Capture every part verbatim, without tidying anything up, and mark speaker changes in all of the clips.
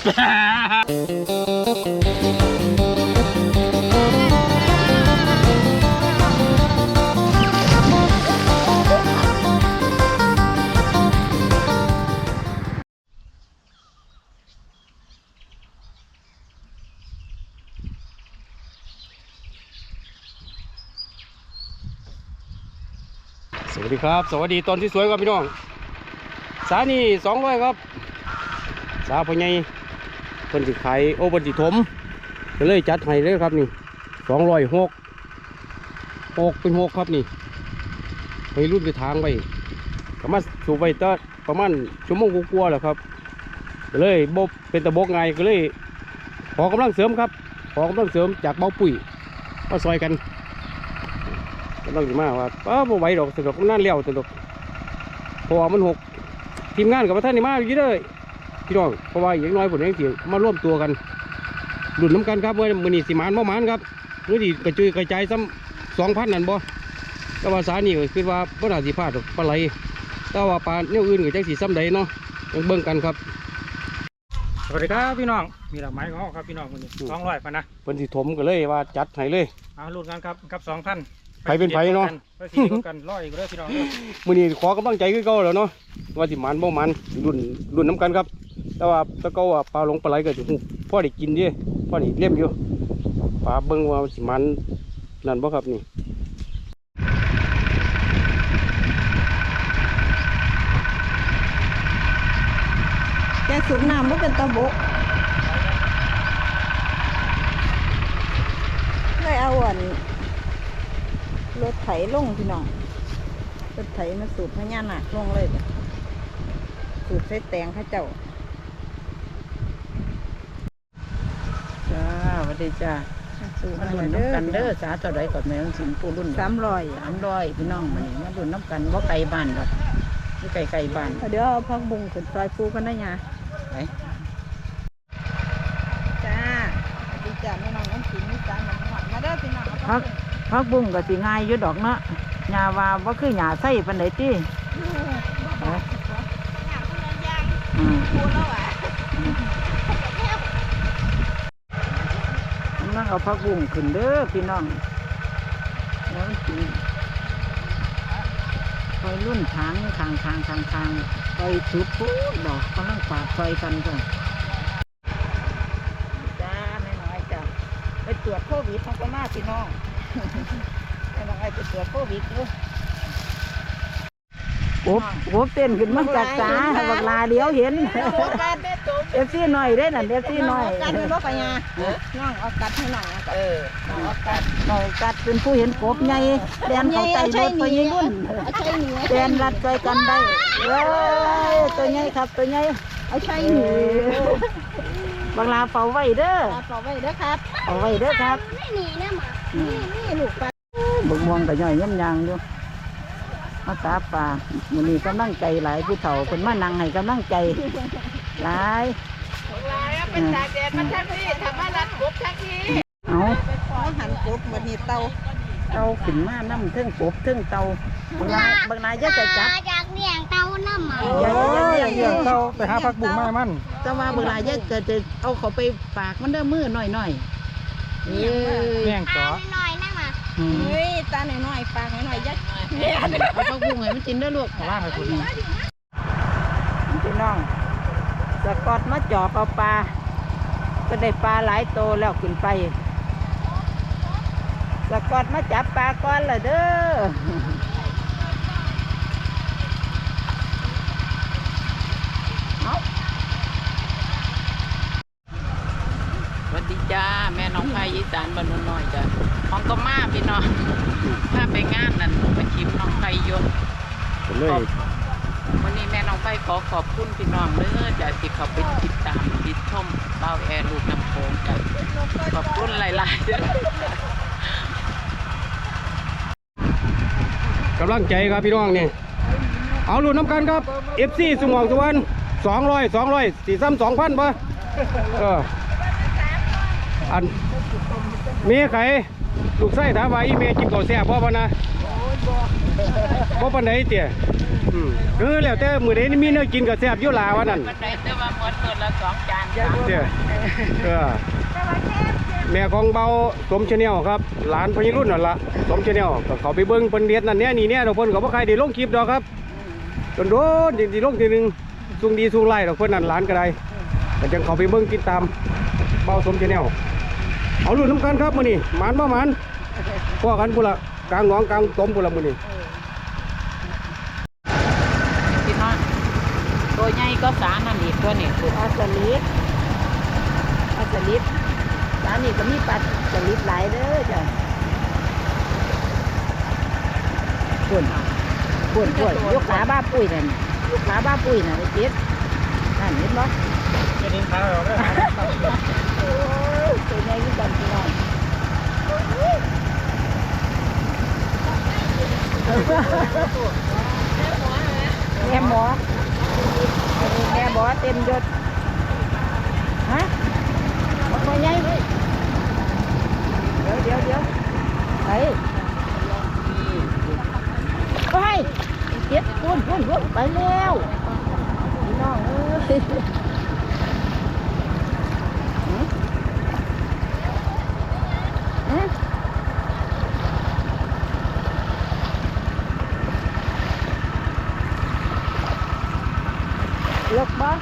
Speaker 1: สวัสดีครับสวัสดีตอนที่สวยครับพี่น้องสานี่สองร้อยครับสาพญายเพิ่นสิขายโอเพิ่นสิถมก็เลยจัดให้เลยครับนี่สองร้อยหกหกเป็นหกครับนี่ไปรุ่นไปทางไปก็มาสูบไปตั้งประมาณชั่วโมงกว่าๆแล้วครับก็เลยบบเป็นตะบกไงก็เลยขอกำลังเสริมครับขอกำลังเสริมจากเบาปุ๋ยมาซอยกันก็ต้องมาว่าป้าบ่ไหวดอกสะดอกนั่นเลี้ยวสะดอกเพราะว่ามันหกทีมงานกับท่านนี่มาอยู่เลยพี่น้องเพราะว่าอย่างน้อยผลยังเสียงมาร่วมตัวกันหลุดน้ำกันครับเมื่อมือนี่สิมานบ่มานครับเมื่อดีกระจุยกระจายซ้ำสองพันนั่นบ่แต่ว่าสานี่ก็คือว่าบ่น่าสิพลาดดอกปลาไหลแต่ว่าปลาเนี่ยอื่นก็จังสีซ้ำใดเนาะยังเบิ่งกันครับ
Speaker 2: สวัสดีครับพี่น้องมีดอกไม้ของเขาครับพี่น้องคนนี้สองร้อยพันนะ
Speaker 1: เพิ่นสิถมก็เลยว่าจัดให้เลย
Speaker 2: เอาลุ้นกันครับกับสองพัน
Speaker 1: ไผเป็นไผเนาะ
Speaker 2: ไปสีกันร้อยอีกเลยพี่น้อง
Speaker 1: มื้อนี้ขอกำลังใจคือเก่าแล้วเนาะว่าสิมันบ่มันรุ่นรุ่นน้ำกันครับแต่ว่าตะเกาว่าปลาลงปลาไหลก็สิฮู้พอได้กินดิพอได้เลี้ยมอยู่ปลาเบิ่งว่าสิมันนั่นบ่ครับนี่
Speaker 3: แกสูบน้ำบ่เป็นตะบกเลยเอาอันรถไถลงพี่น้องรถไถมาสูบพญานาคลงเลยสูบใส่แตงข้าเจ้า
Speaker 4: จ้าสวัสดีจ้าสูบมาลุ้นน้ำกันเด้อสาต่อใดก่อนแม่สินปูรุ่น
Speaker 3: สามร้อย
Speaker 4: สามร้อยพี่น้องมาเนี่ยมาลุ้นน้ำกันว่าไก่บ้านหรอกไม่ไก่ไก่บ้าน
Speaker 3: เดี๋ยวเอาพักบุ้งขึ้นซอยปูกันนะยา
Speaker 4: ไป
Speaker 3: จ้าสวัสดีจ้าแม่น้องน้ำขิงนี่จ้าหนังหวานมาเด้อพี่น้อง
Speaker 4: พักพักบุ้งก็สิง่ายอยู่ดอกเนาะหญ้าว่าว่าคือหญ้าไส้ปานใดติอืมนั่งเอาพักบุ้งขึ้นเด้อพี่น้องน้องกินคอยรุ่นทางทางทางทางทางไปสุดปุ๊บดอกกำลังปาดไฟกันจ้ะจ้าไม่น้อยจ้ะไปตรวจโควิดทั้งก็มาพี่น้องไม่น้อยไปตรวจโควิดด้วยโอ้โหเต้นขึ้นมาจากสาบักลาเดียวเห็นเอฟซีหน่อยได้น่ะเอฟซีหน่อย
Speaker 3: กัดเป็นรถปัญญาน้องเอากัดให้หน่อย
Speaker 4: เออน้องเอากัดน้องกัดเป็นผู้เห็นกบใหญ่แดนเขาใจรถไปยิ่งรุ่นแดนรัดใจกันได้เว้ยตัวใหญ่ครับตัวใหญ่
Speaker 3: เอาใช่หนู
Speaker 4: บักลาเป่าไว้เด้อ
Speaker 3: เป่าไว้เด้อครับ
Speaker 4: เป่าไว้เด้อครับ
Speaker 3: นี่นี่นะหมานี่นี่ลูกปลา
Speaker 4: บุกมองกับย่อยย่ำยางอยู่มาตาป่ามันนี่กำลังใจหลายผู้เฒ่าคนมานั่งให้กำลังใจหลาย
Speaker 3: หลายเป็นตาแดดมันทักที่ทำมารัดกบทักที่
Speaker 4: เอา
Speaker 3: หันกบมันนี่เตา
Speaker 4: เตาขึ้นมาน้ำเทิงกบเทิงเตาบางนายบางนายจะจะจับ
Speaker 3: จากเลี้ยงเตาน้ำมัน
Speaker 2: อย่าอย่าเลี้ยงเตาไปหาผักบุ้งมามัน
Speaker 4: แต่ว่าบางนายจะจะจะเอาเขาไปปากมันเด้อมือหน่อยหน่อย
Speaker 2: เลี้ยงจ๋อ
Speaker 3: หน่อยนะมาเฮ้ยตาหน่อยหน่อยปากหน่อยยัด
Speaker 4: เอาผักบุ้งให้มันกินได้ลูก
Speaker 2: ล่างให้คุณ
Speaker 4: พี่น้องสกอตมาจ่อเอาปลาก็ได้ปลาหลายโตแล้วขึ้นไปสกอตมาจับปลาก้อนเลยเด้อสวัสดีจ้าแม่น้องไผ่ยีสานบ้านน้อยจ้ะของก็มาพี่น้องถ้าไปงานนั่นไปชิมน้องไผ่ยกวันนี้แม่น้องไผ่ขอขอบคุณพี่น้องเด้อจ้ะที่เขาไปติดตามติดชมเบ้าแอร์ลูกน้ำโขงจ้ะขอบคุณหลายๆ
Speaker 1: กำลังใจครับพี่น้องนี่เอาลุ้นน้ำกันครับเอฟซีสมองสุวรรณสองร้อยสองร้อยสี่ซ้ำสองพันป่ะเอออันเมียไข่ลูกไส้ถามว่าอีเมียกินข้าวแซ่บพ่อป่ะนะบ่ปานใดเตี้ยอืมเออแล้วแต่มื้อใดนี่มีแนวกินก็แซ่บอยู่ลาว่านั่น
Speaker 4: มันได้แต่ว่าหมดมื้อละสองจาน
Speaker 1: เตี้ยเออแม่ของเบาสมชาแนลครับหลานพญรุ่นนั่นล่ะสมชาแนลก็เขาไปเบิ่งเพิ่นเฮ็ดนั่นแน่นี่แน่ดอกเพิ่นก็บ่ใครได้ลงคลิปดอกครับโดนๆสิลงทีนึงสูงดีสูงไล่ดอกเพิ่นนั่นหลานก็ได้ก็จังเขาไปเบิ่งติดตามเบาสมชาแนลเอาลุ้นน้ำกันครับมื้อนี้หมานบ่หมานพอกันพุ่นละกลางหนองกลางตมพุ่นละมื้อนี้
Speaker 4: พี่น้องตัวใหญ่ก็สานั่นอีกตัวนี่คือปลาสลิดปลาสลิดร้านนี้ก็มีปลาสลิดหลายเด้อจ้ะปุ่นปุ่นปุ่นยกขาบ้าปุ้ยนั่นยกขาบ้าปุ้ยน่ะไอ้เจ็ดนั่นเห็นบ่
Speaker 2: จะดิ้นขาเราได้
Speaker 4: โอ้ยตัวใหญ่ที่กันพี่น้องแม่หมอแม่หมอเต็มยศฮะบอกมาไงเดี๋ยวเดี๋ยวเดี๋ยวไปไปเก็บพุ่นพุ่นพุ่นไปแล้วพี่น้องเอ้ยหือหือเลือกบ้าง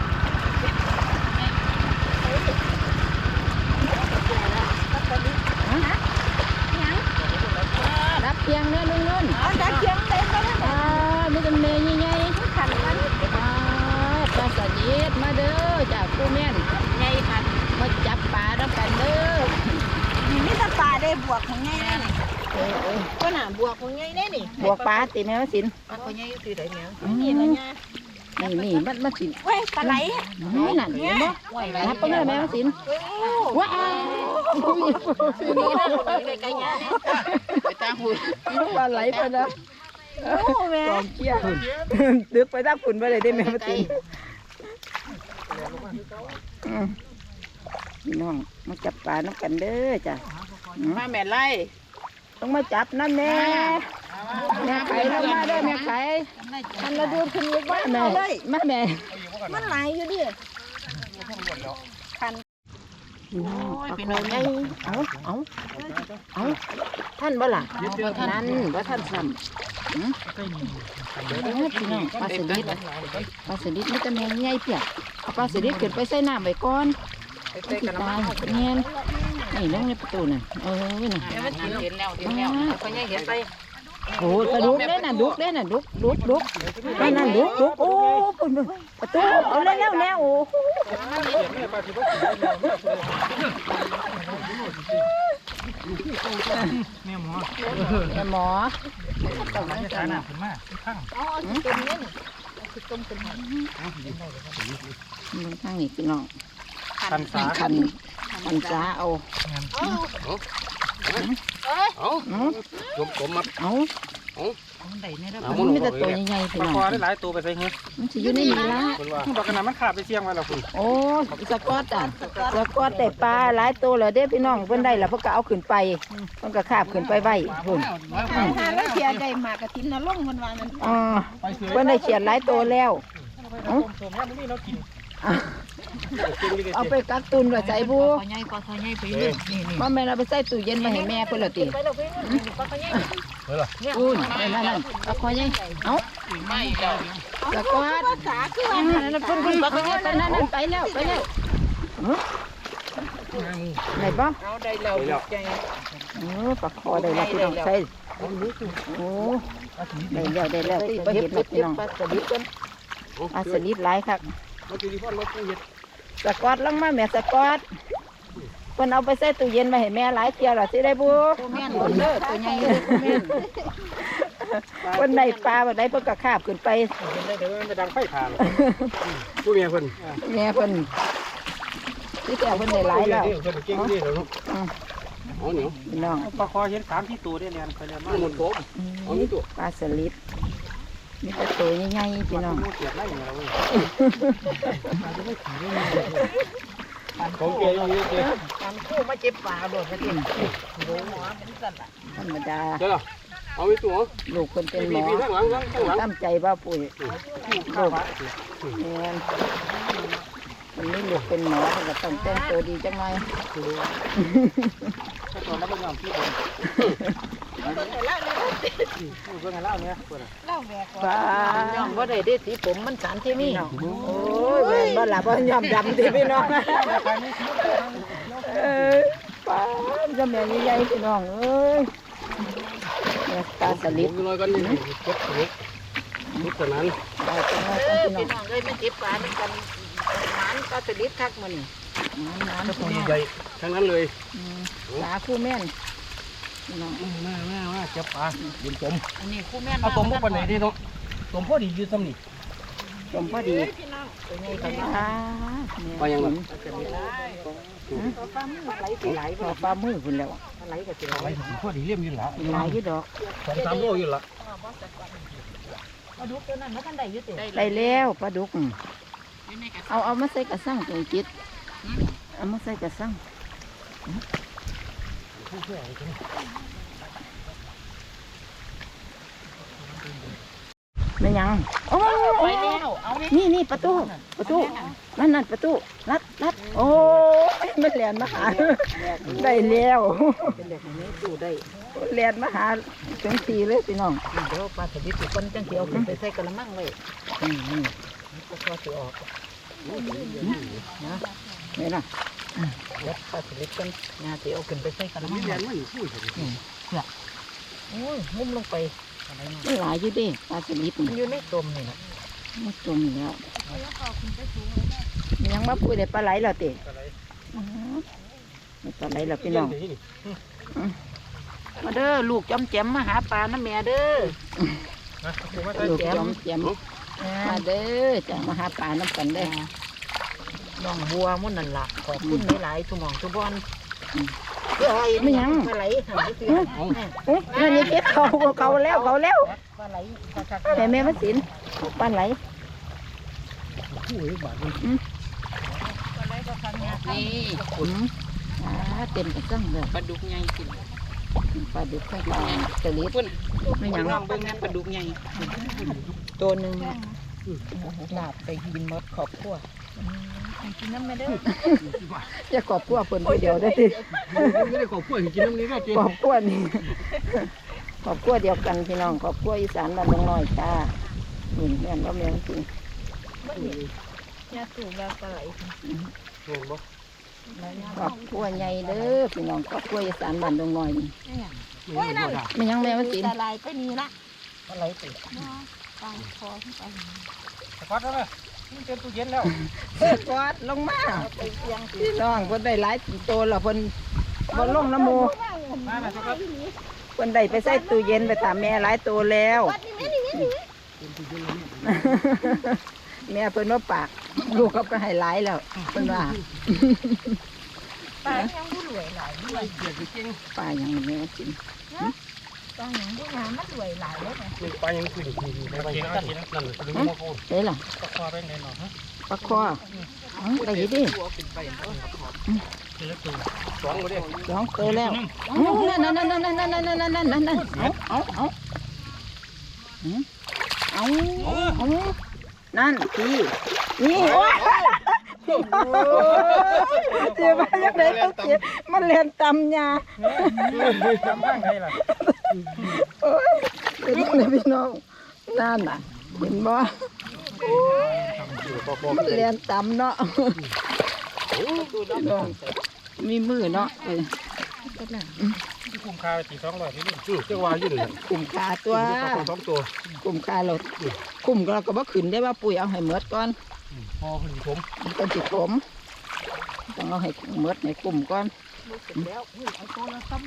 Speaker 4: รับเพียงเนี่ยลุงนุ่นรับเพียงเต็มแล้วอ่าไม่จำเนยยังไงขันมันอ่าปลาสลิดมาเด้อจากผู้แม่นไงขันมาจับปลาแล้วกันเด้อ
Speaker 3: นี่มีแต่ปลาได้บวกของไงนี่
Speaker 4: เออเออ
Speaker 3: ก็หนาบวกของไงได้นี่
Speaker 4: บวกปลาตีแมวสิน
Speaker 3: ปลาของไงคือได้แมวนี่ละไง
Speaker 4: นี่นี่มันมันสิน
Speaker 3: เว้ยปลาไหล
Speaker 4: นี่นั่นเห็นบ่นับไปเลยแมวสินว้าว
Speaker 3: นี่นะไกลๆเนี่ย
Speaker 4: ไปตาหุ่นปลาไหลไปนะ
Speaker 3: โอ้แม่
Speaker 4: กองเกี้ยดึกไปตาหุ่นไปเลยได้แมวสินพี่น้องมาจับปลาน้ำกันเด้อจ้ะมาแม่ไล่ต้องมาจับนั่นแน่แม่ไข่ลงมาเด้อแม่ไข่ทันระดูขึ้นลูกบ้านแม่มาแม่
Speaker 3: มันไหลอยู่ดิคัน
Speaker 4: พี่น้องเอาเอาเอาเอาท่านบ่ล่ะนั่นบ่ท่านซ้ำพี่น้องปลาสลิดปลาสลิดมันจะแมงใหญ่เปียกเอาปลาสลิดขึ้นไปใส่น้ำไว้ก่อนสิตายเงี้ยนี่ลงในประตูน่ะเออน่ะเห็นแล้วเห็นแล้วเขายังเห็นไปโอ้กระดุกเด้น่ะดุกเด้น่ะดุกดุกดุกนั่นนั่นดุกดุกโอ้ปุ่นประตูเอาเร็วๆแนวโอ้
Speaker 2: แม่หมอ
Speaker 4: แม่หมอ
Speaker 2: ต้องมาขนาดขึ้นมาข้าง
Speaker 3: อ๋อสิต้มเนี่ยนี่สิต้มขึ้นมา
Speaker 4: ทางนี้พี่น้อง
Speaker 2: คันสา
Speaker 4: คันคันจ้าเอา
Speaker 1: เอาเอาจมผมมา
Speaker 4: เอา
Speaker 1: เอา
Speaker 4: มันมีแต่ตัวใหญ่ๆพี่
Speaker 2: ปลา
Speaker 4: น้อง
Speaker 2: คอได้หลายตัวไปใส่เงี้ย
Speaker 4: มันสิอยู่ในนี้ละ
Speaker 1: คนว่า
Speaker 2: บอกขนาดมันขาดไปเชียงไว้แล้วคุณ
Speaker 4: โอ้สกอตอ่ะสกอตแต่ปลาหลายตัวเลยเด้พี่น้องเพิ่นได้แล้วเพิ่นก็เอาขึ้นไปเพิ่นก็คาบขึ้นไปไว้พุ่น
Speaker 3: หาแล้วเสียได้มากกระทิ้นนะลงมันว่านั่น
Speaker 4: อ่าเพิ่นได้เฉียดหลายตัวแล้ว
Speaker 2: ผมผมว่ามันนี่เรากิน
Speaker 4: เอาไปกักตุนไว้ใส่บู
Speaker 3: ใหญ่กว่าใหญ่ไปเรื่อยนี่นี่
Speaker 4: บ่แม่นเอาไปใส่ตู้เย็นมาให้แม่เพิ่นละติ
Speaker 3: ไปแล้วพี่ปลาใหญ่
Speaker 4: อุ้ยนั่นนั่นเอาคอยใหญ่เอ้าไม่สกอต
Speaker 3: สาคือ
Speaker 4: อันนั้นเพิ่นเพิ่นบอกว่าไปนั่นนั่นไปแล้วไปแล้วไหนบ้าง
Speaker 3: เอาได้แล้วใจ
Speaker 4: เออปลาคอได้แล้วพี่น้องใส่โอ้ได้แล้วได้แล้วที่เห็นแล้วพี่น้องปลาสลิดกันปลาสลิดหลายครับ
Speaker 1: มาตีพ่อมาปูเห็ด
Speaker 4: สกอตลงมาแม่สกอตเพิ่นเอาไปใส่ตู้เย็นมาให้แม่หลายเที่ยวแล้วสิได้บ่
Speaker 3: แม่นเด้อตัวใหญ่เลยแม่น
Speaker 4: เพิ่นได้ปลาบ่ได้เพิ่นก็คาบขึ้นไป
Speaker 2: เห็นได้แต่ว่ามันจะดังไฟผ่าน
Speaker 1: ผู้เมียคน
Speaker 4: แม่เพิ่นที่แต่เพิ่นได้หลายแล้ว
Speaker 1: เพิ่นเก่งดีเหรอลูกเอาเหนียว
Speaker 4: พี่น้อง
Speaker 2: ปลาคอเห็นสามที่ตัวได้เรียนไปเรียนมา
Speaker 1: มันหมดผมเอานี่ตัว
Speaker 4: ปลาสลิดมีแต่ตัวใหญ่ๆพี่น้อง
Speaker 2: เสียบไล่อย่างเราเว้ย
Speaker 1: ของเกย์อย่างนี้เกย์
Speaker 3: ตามคู่มาเจ็บปลาโดดไปกิน
Speaker 4: ธรรมดา
Speaker 1: เจ้าล่ะเอาไปตัว
Speaker 3: ลูกคนเป็นหม
Speaker 1: พี่
Speaker 3: อ
Speaker 1: พี่ข้างหลังข้างหลัง
Speaker 3: ตั้งใจว่าปุ๋ยลูกแม่นวันนี้ลูกเป็นหมอเพิ่นก็ต้องแต่งตัวดีจังหน่อย
Speaker 2: ตอนนั้นเป็นอย่างที่ผมเพิ่งให้เล่าเนี่ยเปิด
Speaker 3: ฟ้า
Speaker 4: ย่อมบ่ได้ได้สีผมมันสารเคมี
Speaker 3: โอ้ยแม่นบ่ล่ะบ่ยอมดำติพี่น้องเอ้ยป้าจะแม่ใหญ่ๆพี่น้องเอ้ยแม่ตาสลิด
Speaker 1: ผมลอยกันนี่เก็บเล็กนิดเท่านั้น
Speaker 3: ได้จังหน่อย
Speaker 4: เอ
Speaker 3: กัน
Speaker 4: อ
Speaker 3: พี่น้อง
Speaker 4: พี่น้องเอ้ยมันเจ็บปลามันกันหมานก็สลิดคักมื้อนี่
Speaker 3: น้ำ
Speaker 1: ถ้า
Speaker 3: ๆ
Speaker 1: ปู
Speaker 3: พี่น้อง
Speaker 1: ใหญ่ทั้งนั้นเลย
Speaker 3: อืมสาคู่แม่นพี่น้อง
Speaker 1: มามามาเก็บปลายืนจม
Speaker 4: อันนี้คู่แม่น
Speaker 1: เอาตมพวกปันไหนดีเนาะตมพอดียืนซ้ำนี่
Speaker 3: จมพอดี
Speaker 4: ตัวนี้ก็
Speaker 3: อ่า
Speaker 1: ไปยังไง
Speaker 4: ไหลสิไหล
Speaker 3: พอปลามือคุณแล้ว
Speaker 4: ไหลก็สิไหล
Speaker 1: ไปพอดีเลี่ยมยืนละ
Speaker 3: หลายอยู่ดอก
Speaker 1: สองสามโลยืนละ
Speaker 4: เอาดูตัวนั้นมันทันได้อยู่ติ
Speaker 3: ได้แล้วปลาดุก
Speaker 4: อยู่ในกระ
Speaker 3: เอาเอามาใส่กระสังตรงจิตเอามาใส่กระสังไม่ยังโอ้
Speaker 4: ไป
Speaker 3: ย
Speaker 4: แล้วเอานี่
Speaker 3: นี่นี่ประตูประตูนั่นนั่นประตูรัดรัดโอ้ยมันแลนมาหาได้แล้ว
Speaker 4: เป็นแบบนี้ดูได้
Speaker 3: แลนมาหาถึงทีเลยพี่น้อง
Speaker 4: เดี๋ยวปลาสลิดสิคนจังสิเอาขึ้นไปใส่กระมังไว้
Speaker 3: นี่นี่
Speaker 4: ก็พอสิออก
Speaker 3: นะนี่นะ
Speaker 4: เดี๋ยวปลาสลิดกันงาสิเอาขึ้นไปใส่กระมั
Speaker 1: มี
Speaker 4: ง
Speaker 1: แร
Speaker 4: ไว้
Speaker 1: งมันพูดถึง
Speaker 4: โอ้ยงุ้มลงไปอะไรเนาะ
Speaker 3: มันหลายอยู่เดิปลาสลิด
Speaker 4: มัน
Speaker 3: นี่
Speaker 4: อยู่ในตมนี่นะ
Speaker 3: มันจมแล้วยังมาพูดได้ปลาไหลแล้วเตะปลาไหลแล้วพี่น้อง
Speaker 4: มาเด้อลูกจอมแจมมาหาปลาน้ำแม่เด้อ
Speaker 2: นะผมว่าใส่
Speaker 3: ลูกจอมแจมมาเด้อจะมาหาปลาน้ำกันได้อ
Speaker 4: น้องบัวมุ่นนั่นล่ะขอบคุณหลายๆทุกหมองทุกบอนเฮ้ย
Speaker 3: ไม่ยัง
Speaker 4: ปลาไหลหางเสีย
Speaker 3: โอ้นั่นนี่เก็บเขาเขาแล้วเขาแล้ว
Speaker 4: ปลาไหล
Speaker 3: แต่แม่มาสินปลาไหล
Speaker 4: นี่
Speaker 3: ขุนอ่าเต็มกระซังเลย
Speaker 4: ปลาดุกใหญ่กิน
Speaker 3: ปลาดุกข้างปลาสลิด
Speaker 4: พุ่น
Speaker 3: ไม่ยัง
Speaker 4: น้องเบิ่งนั่นปลาดุกใหญ่ตัวหนึ่งลาบไปกินหมดขอบครัว
Speaker 3: จะกอบกลัวเพิ่นผู้เดียวได้อติ
Speaker 1: ไม่ได้ขอบคุณกินน้ำนี้ก็จริง
Speaker 3: กอบกลัวนี่กอบกลัวเดียวกันพี่น้องกอบกลัวอีสานบ้านดงน้อยจ้านี่แม่นว่าแม่นจริง
Speaker 4: ยาสูบแล้วปลาไหล
Speaker 1: เห็นบ่
Speaker 3: กอบกลัวใหญ่เด้อพี่น้องกอบกลัวอีสานบ้านดงน้อยนี่
Speaker 1: โอ้ยนั่น
Speaker 3: ไม่ยังแม่มาสิน
Speaker 4: ปลาไหลไปนี่ละปลาไหลติด
Speaker 2: สะพัดแล้วนะนี่เต็มตู้เย็นแล้ว
Speaker 3: เพิ่นกอดลงมาพี่น้องเพิ่นได้หลายโตแล้วเพิ่นบ่ลงน้ำหมู
Speaker 2: มาหน่อยครับ
Speaker 3: เพิ่นได้ไปใส่ตู้เย็นไปตามแม่หลายโตแล้วแม่เพิ่นว่าปากลูกก็ไปให้หลายแล้วเพิ่นว่า
Speaker 4: ปลายังผู้รวยหลาย
Speaker 1: ไม่เกียดจริง
Speaker 3: ปลาอย่างแม่กิน
Speaker 4: ปลายังผู้งามมันรวยหลายเลยนะ
Speaker 1: มันไปยังขึ้นไปไปนั่นนั่นคือมาโคน
Speaker 3: ได้ล่ะ
Speaker 2: ตะคอไปไหนหน่อยฮะ
Speaker 3: ปลาคอเอ้าได้อยู่ดิ
Speaker 1: สองก็ได้
Speaker 3: สองเตยแล้วเอ้านั่นนั่นนั่นนั่นนั่นนั่นนั่นนั่นนั่นนั่นเอาเอาเอาหืมเอาเอานั่นพี่นี่โอ้ยเจ็บมาจากไหนเขาเจ็บมันเรียนตำยา
Speaker 2: ทำข้างไหนล่ะ
Speaker 3: โอ้ยเป็นยังไงพี่น้องนั่นน่ะเห็นบ่มันเรียนตำเนาะพี่น้องมีมือเนาะเออ
Speaker 2: ที่คุ้มค่าสี่สองร้อยนี่
Speaker 1: อือเจ้าว่ายืนเลย
Speaker 3: กลุ่มคาตัว
Speaker 1: สองตัว
Speaker 3: กลุ่มคาเรากลุ่มเราก็บ่ขึ้นได้ว่าปุ๋ยเอาให้หมดก่อน
Speaker 1: พอผลิตผม
Speaker 3: มันเป็นสิผมต้องเอาให้หมดในกลุ่มก่อน
Speaker 4: แล้วนี่เอาตัวละซ้ำ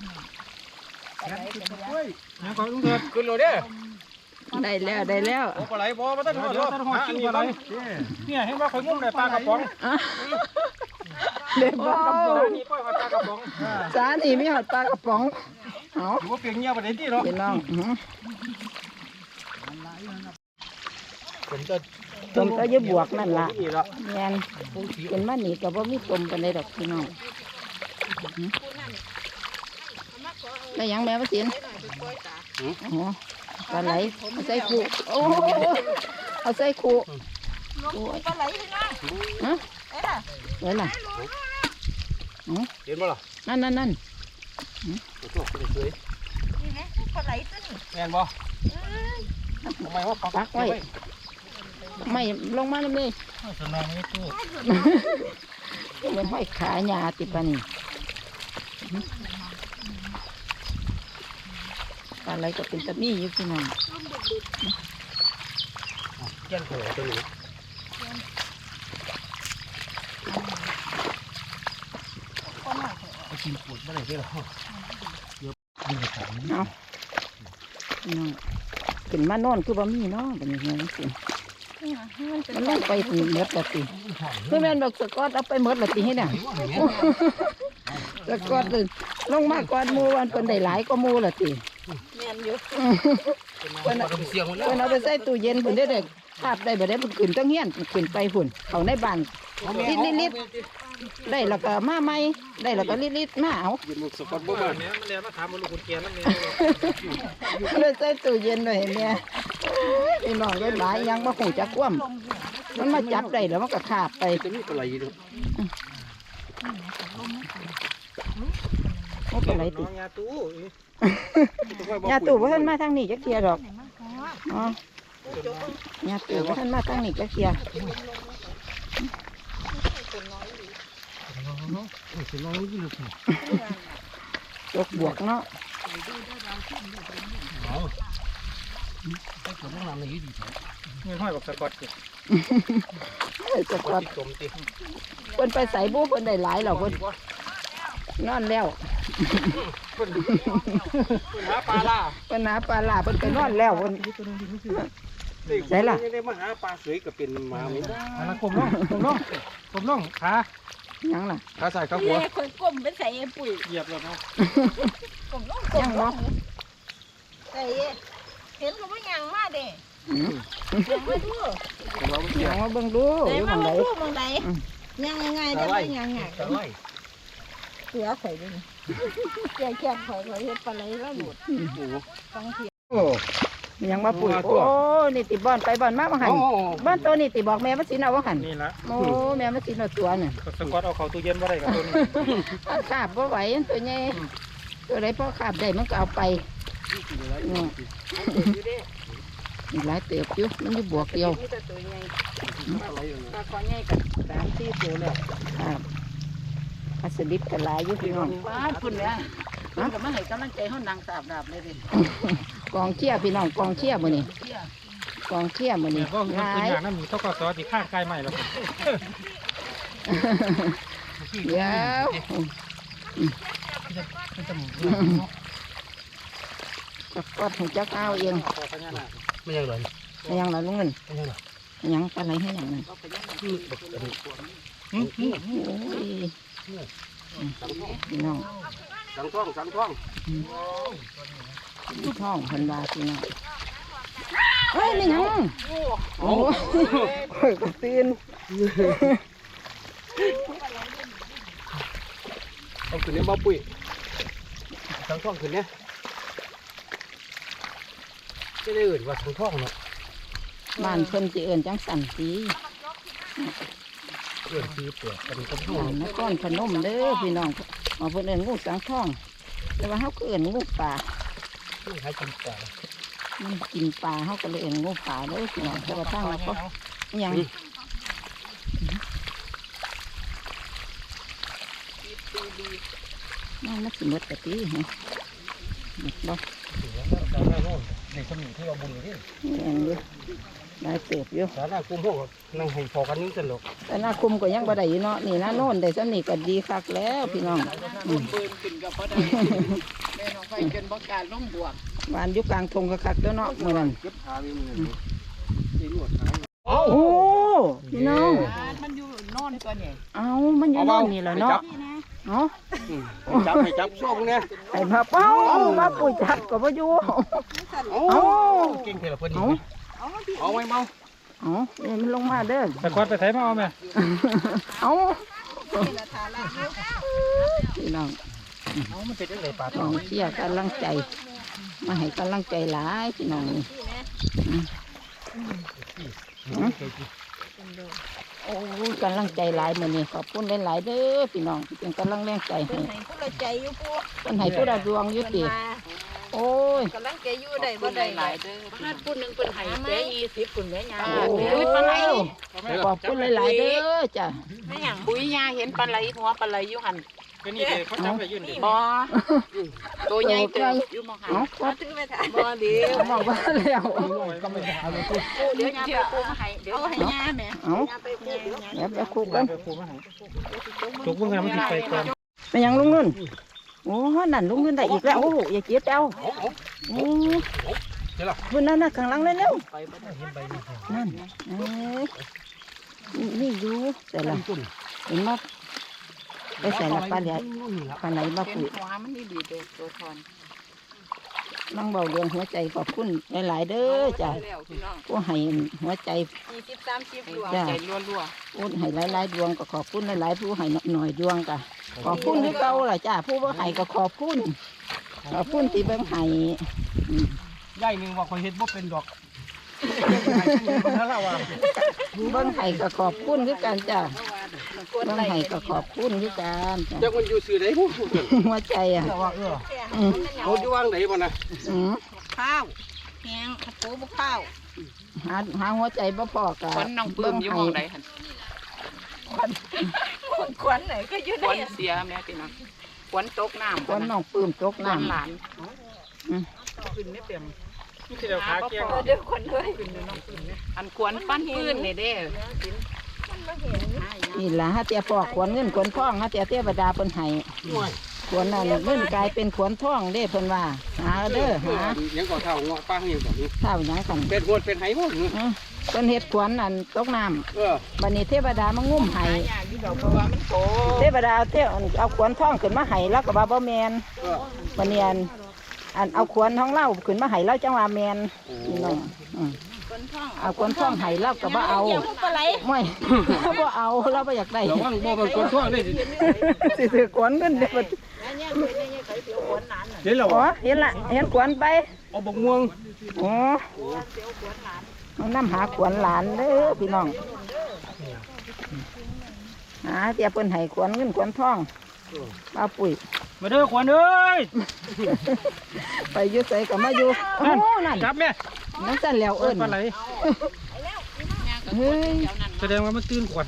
Speaker 2: ยังขอลุงเถิด
Speaker 1: ขึ้นเลยเด้อ
Speaker 3: ได้แล้วได้แล้ว
Speaker 2: โอ้ปลาไหลบ่มาตั้งหัวตั้งหัวอันนี้ปลาไหลเนี่ยเห็นว่าข่อยงุ้มได้ปลากระป๋อง
Speaker 3: อ่ะเด็กปลากระป๋อง
Speaker 2: นี่ปล่อยปลากระป๋อง
Speaker 3: สานี่มีหอดปลากระป๋องเอา
Speaker 2: ถือว่าเปลี่ยนเงี้ยประเด็นที่เนาะ
Speaker 3: พี่น้องอื้อหือ
Speaker 1: ผมจะ
Speaker 3: ต้มก็อยืบวกนั่นล่ะ
Speaker 1: นี่ละ
Speaker 3: แม่นเป็นมานี่ก็บ่มีต้มปานใดดอกพี่น้อง
Speaker 4: ได้หยังแม่มาสินอ๋อปลาไหลเอาใส่ขู่โอ้เอาใส่ขู่โอ้ย
Speaker 3: ปลาไหลพี่น้อง
Speaker 4: ฮะ
Speaker 3: เอ้ยล่ะ
Speaker 4: ไว้ล่ะ
Speaker 1: เห็นบ่ล่ะ
Speaker 4: นั่นนั่นนั่น
Speaker 1: โอ้โหสวย
Speaker 3: นี่นะปลาไหลตัวนี้
Speaker 1: แม่นบ่ทำไมว่าปัก
Speaker 4: ปักไว้ไม่ลงมาเลย
Speaker 2: สนองไม่ตู้
Speaker 4: มันห้อยขาหญ้าติดปานนี่ปลาไหลก็เป็นตะมี่อยู่พี่น้อง
Speaker 1: แก่นโผล่ตัวนี้ไปกินปวดบ่ได้เด้อเดี๋ยวดึงไปของ
Speaker 4: เอาพี่น้องขึ้นมานอนคือบ่มีเนาะบัดนี้เงี้ยสิมันลงไปถึงหมดละติคือแม่นบอกสกอตเอาไปหมดละติให้น่ะสกอตเลยลงมากกว่าหมู่วันเพิ่นได้หลายกว่าหมู่ละติ
Speaker 3: แม่นอยู่
Speaker 1: เพิ่นเอาเสียงหมดแล้ว
Speaker 4: เพิ่นเอาไปใส่ตู้เย็นเพิ่นได้ได้คาบได้บ่ได้เพิ่นขึ้นต้องเฮียนขึ้นไปพุ่นเข้าในบ้านลิดลิดๆได้แล้วก็มาใหม่ได้แล้วก็ลิดลิดๆมาเอา
Speaker 1: ยืนมุกสกอตบ่มา
Speaker 2: เนี่ยมันเรียนมาถามมันลูกคุณเกียร์นั่นเอง
Speaker 4: เลยใส่ตู้เย็นไว้ให้แม่พี่น้องได้หลายยังบ่ฮู้จักความมันมาจับได้แล้วมันก็คาบไป
Speaker 1: จะมีปลาไหลอยู่
Speaker 4: โอ้ปลาไหลติ
Speaker 2: น้องยาตู้
Speaker 4: ยาตู่บ่ทันมาทางนี้จักเที่ยดอกอ๋อยาตู่บ่ทันมาทางนี้จักเที่ย
Speaker 1: สิน้องนี่ลูก
Speaker 4: จกบวกเนาะ
Speaker 1: เอาไปกดน้ำในยืดดี
Speaker 2: เงินห้อยบอกสะกด
Speaker 4: เอ้ยจะกอด
Speaker 1: จมติ
Speaker 4: เพิ่นไปใส่บูเพิ่นได้หลายแล้วเพิ่นนอนแล้ว
Speaker 1: หาปลาล่า
Speaker 4: เพิ่นหาปลาลาเพิ่นไปนอนแล้วเพิ่น ใช่ล่ะ
Speaker 1: ได้มาหาปลาสวยก็เป็นหมาไม่ได้
Speaker 2: แล้วกลมล่องกลมล่องกลมล่องขา
Speaker 4: หยังล่ะ
Speaker 1: ขาใส่ขาหัว
Speaker 3: แม่คนก้มเป็นใส่ปุ๋ย
Speaker 2: เหยียบแล้วเนาะ
Speaker 3: ก้มลง
Speaker 4: ยังบ่
Speaker 3: ใส่เห็นเขาว่ายังมาเด้
Speaker 4: อืม
Speaker 3: ยังมาดู
Speaker 4: ยังมาเบิ่งดู
Speaker 3: ไหน
Speaker 4: อยู่ห
Speaker 3: มา
Speaker 4: ม้องใด
Speaker 3: ดูมองใดยังไงได้ไหมยังไง
Speaker 1: ตะไล
Speaker 3: เสือข่อยด้วยแก่แก่ข่อยข่อยเฮ็ดปลาไหลแล้วหลุดฟังเสียง
Speaker 1: โอ้
Speaker 4: ยังมาปุ๋ยโอ้นี่ติบ่อนไปบ่อนมาบ่หันบ้านตัวนี่ติบอกแม่ว่าสิเอาบ่หัน
Speaker 2: นี่ละ
Speaker 4: โอ้แม่ว่าสิเอาตัวน่ะ
Speaker 2: สะกดเอาเขาตู้เย็นมาได้กับตัวนี้
Speaker 4: เอาขาบบ่ไหวตัวใหญ่ตัวใดพอขาบได้มันก็เอาไปอืมมีหลายเติบอยู่มันอยู่บวกเดียว
Speaker 3: มีแต่ตัวใหญ่
Speaker 4: ปลาคอใหญ่กับสามสี่ตัวแล้วครับปลาสลิดกับหลายอยู่พี่น้องป้าคุณเนี่ยมันก็มาให้กำลังใจเฮานางสาบดาบเลยดิกองเชียร์พี่น้องกองเชียร์มื้อนี้กองเชียร์มื้อ
Speaker 2: เนี่
Speaker 4: นี้
Speaker 2: ยก็มัน
Speaker 4: ห
Speaker 2: ตัว
Speaker 4: ลาย
Speaker 2: อย่างนั้นมีต้องกอซอที่ข้างใกล้ใหม่แล้ว
Speaker 4: เดี๋ยว ก็กดหูจักเอาเอง
Speaker 1: ไม่ยังเลย
Speaker 4: ให้ยังล่ะลุงเงิน
Speaker 1: ไม่ยังเลย
Speaker 4: ให้ยังปลาไหลให้ยังนั่น
Speaker 2: อืมอืม
Speaker 4: โอ้ยพี่น้อง
Speaker 1: สังท่องสังท่อง
Speaker 4: ท้องเพันบาพี่น้องเฮ้ยนี่ยังโอ้ยข่อยก็ตื่น
Speaker 1: เอาขึ้นเนี่ยมาปุ้ยสังท่องขึ้นเนี่ยจะได้อื่นว่าสังท่องเนาะ
Speaker 4: บ้านเพิ่นสิเอิ้นจังสันสี
Speaker 1: เอื่นคือเปลือกเป็นต้นท่อ
Speaker 4: บ้านนครพนมเด้อพี่น้องเอาเพิ่นเอิ้นงูสังทอง แต่ว่าเฮาก็เอิ้นงูป่า
Speaker 1: ที่ให้กินปลา
Speaker 4: มันกินปลาเฮาก็เลยเอิ้นงูป่าเด้อพี่น้องแต่ว่าทางนั้นก็ยังนั่นมันสิหมดกะติฮะหมดบ่
Speaker 1: สาหน้าโน่นในสมุนที่เราบุญอยู่ที่
Speaker 4: แม่นอยู่ได้เติบอยู่
Speaker 1: สาหน้ากุ้งพวกนั่งให้พอกันนี้สนุก
Speaker 4: แต่หน้าคุมก็ยังบ่ได้อยู่เนาะนี่นะโน่นได้ซำนี้ก็ดีคักแล้วพี่น้องอืม
Speaker 3: ปืนขึ้นกับบ่ได้แม่น้องไฟจนบ่กล้าลงบวก
Speaker 4: บ้านอยู่กลางทงก็คักแล้วเนาะมื้อนั้น
Speaker 1: เก็บขามีมือนี่ลวดขา
Speaker 4: โอ้พี่น้อง
Speaker 3: มันอยู่นอนตัวนี้
Speaker 4: เอามันอยู่โน่นนี่แหละเนาะเนาะ
Speaker 1: จับให้จับโซ่พวกเนี้ย
Speaker 4: ไอ้มาเป้ามาปุ๋ยจับก็บ่อยู่
Speaker 1: โอ้
Speaker 4: เอา
Speaker 1: เก่งเทละเพิ่น
Speaker 4: เอา
Speaker 1: เอาไว้เมา
Speaker 4: เอาเนี่ยมันลงมาเด้อ
Speaker 2: สะกดไปใส่มาเอาไหม
Speaker 4: เอา
Speaker 3: นี่ละทาละอยู่
Speaker 4: พี่น้อง
Speaker 2: เอามันเป็นยังไงปลา
Speaker 3: น้องเชียร์กำลังใจ มาให้กำลังใจหลายพี่น้องนี่อืมอืมโอ้ยกำลังใจหลายมื้อนี้ขอบคุณหลายๆเด้อพี่น้องที่เป็นกำลังแรงใจให้
Speaker 4: ให้ผู้ละใจอยู่ปู
Speaker 3: เพิ่นให้ผู้ใดดวงอยู่ติโอ้ย
Speaker 4: กำลังใจอยู่ได้บ่ได้หลายเด้อ
Speaker 5: ถ้าพูดหนึ่งเป็นไห้แค่ยี่สิบคุณแม่ยา
Speaker 3: โอ้ยปลาไหลขอบคุณหลายๆเด้อจ้ะ
Speaker 4: ไม่หยัง
Speaker 5: ปุ๋ยยาเห็นปลาไหลหัวปลาไหลอยู่หัน
Speaker 2: ก็นี่เลยเขาจับไปยื่นดิ
Speaker 5: บ่ตัวใหญ่เติบอยู่มองหัน
Speaker 3: เอ้าก็
Speaker 4: ถือไปถ่าย
Speaker 5: บ่เดี๋ยว
Speaker 3: บอกว่าแล้ว
Speaker 2: ก็ไม่ได้เอาไปพูด
Speaker 5: เดี๋ยวยาไปปูมาให้เดี๋ยว
Speaker 4: เอาให้ย่าแม่
Speaker 3: เอ้า
Speaker 5: ไปปูเดี๋ยว
Speaker 3: เดี๋ยวไปคุกกัน
Speaker 2: ไปพูดมาให้จุกเพิ่งทำมันติดไปก่อน
Speaker 3: ไปยังลุงนุ่นโอ้นั่นลุงนุ่นได้อีกแล้วโอ้อย่าเจ็บเจ้าโอ้คุณนั่นน่ะข้างหลังเลยเร็ว
Speaker 5: ไปบ่ได้
Speaker 3: นั่นเอ้ยนี่อยู่แต่ละเห็นมั้ยไปใส่ละปลาไหลปลาไหลมา
Speaker 5: เห็น
Speaker 3: ปุ๋ย
Speaker 5: หัวมันนี่ดีเด้อตัวทอน
Speaker 3: นั่งเบาเรื่องหัวใจขอบคุณหลายๆเด้อจ้ะ
Speaker 5: แล้วพี่น้อง
Speaker 3: ผู้ให้หัวใจ
Speaker 4: ยี่สิบสามสิบดวง
Speaker 3: จ้ะ
Speaker 5: ใจรัว
Speaker 3: ผู้ให้หลายๆดวงก็ขอบคุณหลายๆผู้ให้หน่อยดวงก็ขอบคุณที่เก่าล่ะจ้ะผู้บ่ให้ก็ขอบคุณขอบคุณที่เบิ่งให้อืม
Speaker 2: ย่ายหนึ่งว่าคอยเฮ็ดบ่เป็นดอกถ้าเราว่า
Speaker 3: เบิ่งให้ก็ขอบคุณคือกันจ้ะเบิ่งให้ก็ขอบคุณคือกันจ้ะ
Speaker 1: จักมันอยู่สื่อไหนผู้
Speaker 3: หัวใจอ่ะ
Speaker 2: เราว่าเออ
Speaker 3: อืม
Speaker 1: เขาอยู่วางไหนบ่นะ
Speaker 3: อืม
Speaker 4: ข้าวแห้งปูบ่ข้าว
Speaker 3: หาหาหัวใจบ่พอก็
Speaker 5: ๆคนน้องปื้มอยู่หมองใดหัน
Speaker 4: คนขวัญไหนก็อยู่
Speaker 5: ค
Speaker 4: ได้
Speaker 5: นเสียแม่พี่น้องควนตกน้ำ
Speaker 3: คนน้องปลื้มตก
Speaker 5: หลาน
Speaker 3: น้ำ
Speaker 5: หลาน
Speaker 2: ขึ้นไม่เต็มนี่คือเดี๋ยวขาเกี้ยง
Speaker 4: เดี๋ยวคนเลย
Speaker 5: อันควรปั้นปื้นนี่เด้
Speaker 3: นี่ล่ะฮะเตียปอกขวนเงินขวนทองฮะเตียเทวดาเพิ่นให้ขวนนั่นเงินกลายเป็นขวนทองเด้เพิ่นว่าหาเด้อหา
Speaker 1: ยังก่อเท่าเงาะป้าเฮียงก่อน
Speaker 3: เท่าหยังกัน
Speaker 1: เป็นหวดเป็นไหบ่
Speaker 3: อื้อเพิ่นเฮ็ดขวนนั่นตกน้ำ
Speaker 1: เออ
Speaker 3: บัดนี้เทวดามางุ้มให้
Speaker 5: ยาอยู่ดอกเพราะว่ามันโต
Speaker 3: เทวดาเอาเทเอาขวนทองขึ้นมาให้แล้วก็ว่าบ่แม่น
Speaker 1: เออ
Speaker 3: บัดนี้อันอันเอาขวนของเราขึ้นมาให้เราจังว่าแม่นพี่น้องอืมเอาขวนทองให้เราก็บ่เอา
Speaker 4: เกี่ยวปลาไหล
Speaker 3: ไม่ บ่เอาเราบ่อยากได้
Speaker 1: ระวังบ่มันคนทั่วเลย
Speaker 3: สิถือขวนเงินเด้อ
Speaker 1: เห็นแล้ว
Speaker 3: อ๋อเห็นละเห็นขวนไป
Speaker 1: เอาบกม่วง
Speaker 3: อ๋อเอาน้ำหาขวนหลานเด้อพี่น้องหาเตียเพิ่นให้ขวนเงินขวนทองเอาปุ๋ย
Speaker 2: มาเด้อขวัญเอ้ย
Speaker 3: ไปอยุ่ใส่กับมาอยู่โอ้โหนั่น
Speaker 2: จับแม่
Speaker 3: นั่นสั่นแล้วเอิ้น
Speaker 2: ปลาไหล
Speaker 3: เฮ้ย
Speaker 2: แสดงว่ามันตื่นขวัญ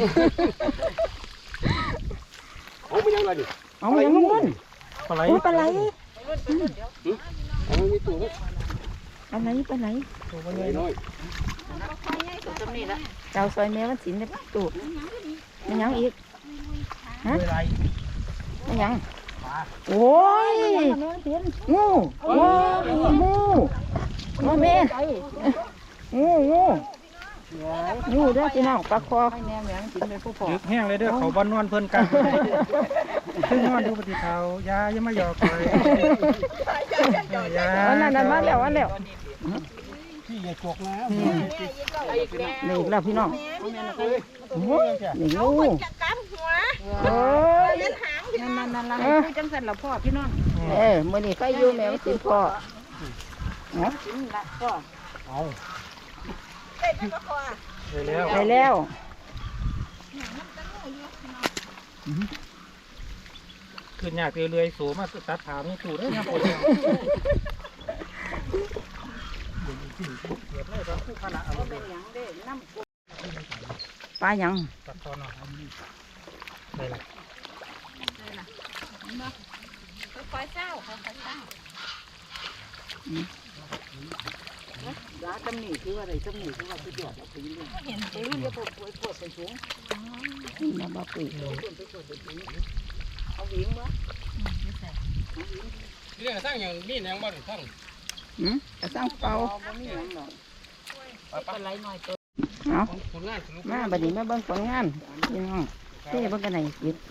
Speaker 1: เอาไปยังไงดิ
Speaker 3: เอาอย่างนู้น
Speaker 2: ปลาไหล
Speaker 3: โอ้ปลาไหล
Speaker 1: เอามีตัว
Speaker 3: ปลาไหลปลาไหล
Speaker 1: น้อย
Speaker 5: จำนี่ละ
Speaker 3: เจ้าซอยแม่วันศิลป์ได้ตูดมันหยังอีกฮะมันหยังโอ้ยงูงูงูงูแม่งูงูงูเด้อพี่น้องปลาคอ
Speaker 2: ดึกแห้งเลยเด้อเขาบ้านนอนเพิ่นกันขึ้นนอนดูปฏิเทายายังไม่หยอกเลยยา
Speaker 3: อันนั้นนั่นมาแล้วอันแล้ว
Speaker 1: พี่อย่าจกนะ
Speaker 3: นี่อีกแล้วพี่น้องโอ้ยนี่งู
Speaker 4: จะกำหัว
Speaker 3: โอ้ย
Speaker 4: เป็นหาง
Speaker 5: นั่นนั่นนั่น
Speaker 3: เออ
Speaker 5: จังสันละพ่อพี่น้อง
Speaker 3: เออมื้อนี้ใครอยู่แม่สิพ่อเนาะ
Speaker 5: กินละพ่อ
Speaker 2: เอา
Speaker 4: เต้นก็พอ
Speaker 2: ไปแล้ว
Speaker 3: ไปแล้ว
Speaker 2: ขึ้นยากเรื่อยๆสูมาตัดถามนี่ตู่ได้ยังปวดเนี่ยเกิดอะไรบ้างคู่ขนาดอะไร
Speaker 3: ปลาหยัง
Speaker 2: ตัดตอนหน่อยได้ละ
Speaker 4: คอยเศร้าคอยเศร้า
Speaker 5: ยาจำนี่คืออะไรจำนี่คือว่าสุดยอดเอาไปเรื่อย
Speaker 4: เห็น
Speaker 5: ไปรุ่นเดียวปวดปวดปวดไปสูง
Speaker 3: มาบ่ปุ๋ย
Speaker 5: เอาวิ่งวะ
Speaker 1: เรื่องสร้างอย่างนี้ยังบ่ได้ทั้ง
Speaker 3: หืมกระสังเป่า
Speaker 5: บ่มีหยังหรอกปลาไหลหน่อยตัว
Speaker 3: เอา
Speaker 1: ผลงานสรุป
Speaker 3: มาบัดนี้มาเบิ่งผลงานพี่น้องเท่เบิ่งกันไหนจิต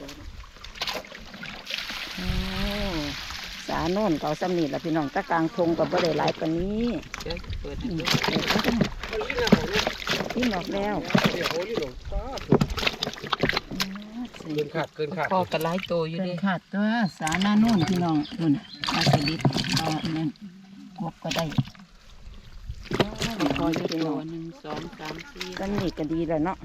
Speaker 3: โอ้สาโน่นเก่าซ้ำนี่ล่ะพี่น้องตะกลางทงกับบ่ได้หลายปานนี้
Speaker 5: เดี๋ยวเปิดให้
Speaker 3: อืม
Speaker 5: ดู
Speaker 3: เดี๋ยวเอากันพี่นอกแล้ว
Speaker 1: เดี๋ยวโอ้ยหลงป้า
Speaker 3: อืมส
Speaker 1: เกินขาดเกินขาด
Speaker 4: พอกันหลายโตอยู่
Speaker 3: เกิ
Speaker 4: เด้
Speaker 3: นขาดตัวสาหน้านู่นพี่น้องนู่นปลาสลิดปลาเนี่ยกบก็ได้
Speaker 4: พออยู่ตัวหนึ่งสองสามสี่
Speaker 3: ก็นี่ก็ดีแล้วเนาะ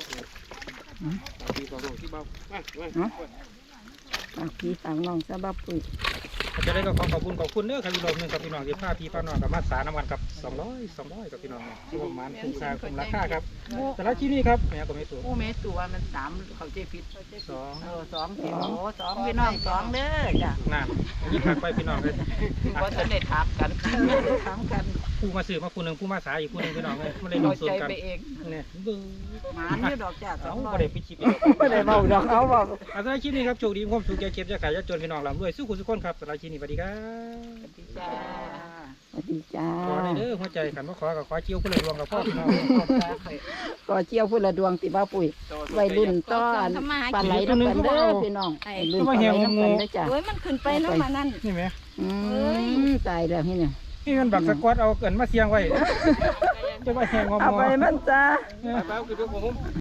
Speaker 1: ที่สองที่เบามามา
Speaker 3: ฝากพี่ฝากน้องซะบ้าปุ๋ย
Speaker 2: จะได้ก็ขอขอบคุณขอบคุณเด้อครับพี่น้องนึงกับพี่น้องที่พาพี่พาน้องกับมาสาน้ำมันกับสองร้อยสองร้อยกับพี่น้องรวมมันคุ้มค่าคุ้มราคาครับแต่ละที่นี่ครับแม่ก็ไม่ถูก
Speaker 5: ผู้เมตัวมันสามเขาใจผิด
Speaker 2: สอง
Speaker 5: เออสองพี่โอ้สองพี่น้องสองเด้อจ้ะ
Speaker 2: นั่นยิ่งหักไปพี่น้องเลย
Speaker 5: ว่าจะได้ถามกันถามกัน
Speaker 2: ผู้มาซื้อมาผู้หนึ่งผู้มาสายอีกผู้หนึ่งพี่น้องเลยไม่ได้ล
Speaker 5: เรา
Speaker 2: งส่ว
Speaker 5: ใจ
Speaker 2: นกัน
Speaker 5: ไปเอง
Speaker 2: เนี่ยบื้อ
Speaker 5: หมาเนี่ยดอกจ้ะส
Speaker 2: เอา
Speaker 5: องร้อ
Speaker 2: ไม่
Speaker 5: ย
Speaker 2: ได้ปิดชิปอีก
Speaker 3: ไม่ได้เบาดอกเอาบอก
Speaker 2: อาสาชีพนี้ครับโชคดีความสุขแก่เก็บจะขายจะจนพี่น้องลำรวยสู้คุณทุกคนครับสาชีพนี้สวัสดีครับ
Speaker 5: จ้า
Speaker 3: สวัสดีจ้า
Speaker 2: ขอได้เด้อหัวใจกันว่าขอกับขอเจียวผู้เลยรวมกับพ่อพี่น้อง
Speaker 3: ก็เจียวพุ่นละดวงติบ้าปุ๋ยไว้รุ่นต้อนปลาไหลน้ำกันเด้อพี่น้องไอ้รุ่นปลาไหลน้ำกันเด้อจ้ะ
Speaker 4: เฮ้ยมันขึ้นไปน้ำมานั่น
Speaker 2: นี่ไหม
Speaker 3: อืมตายแล้วพี่เนี่ย
Speaker 2: นี่มันบักสกอตเอาเกินมาเสียงไว้จะมาแหงงอม
Speaker 3: เอาไปมันจ้า
Speaker 1: ไปไปคือพวกผม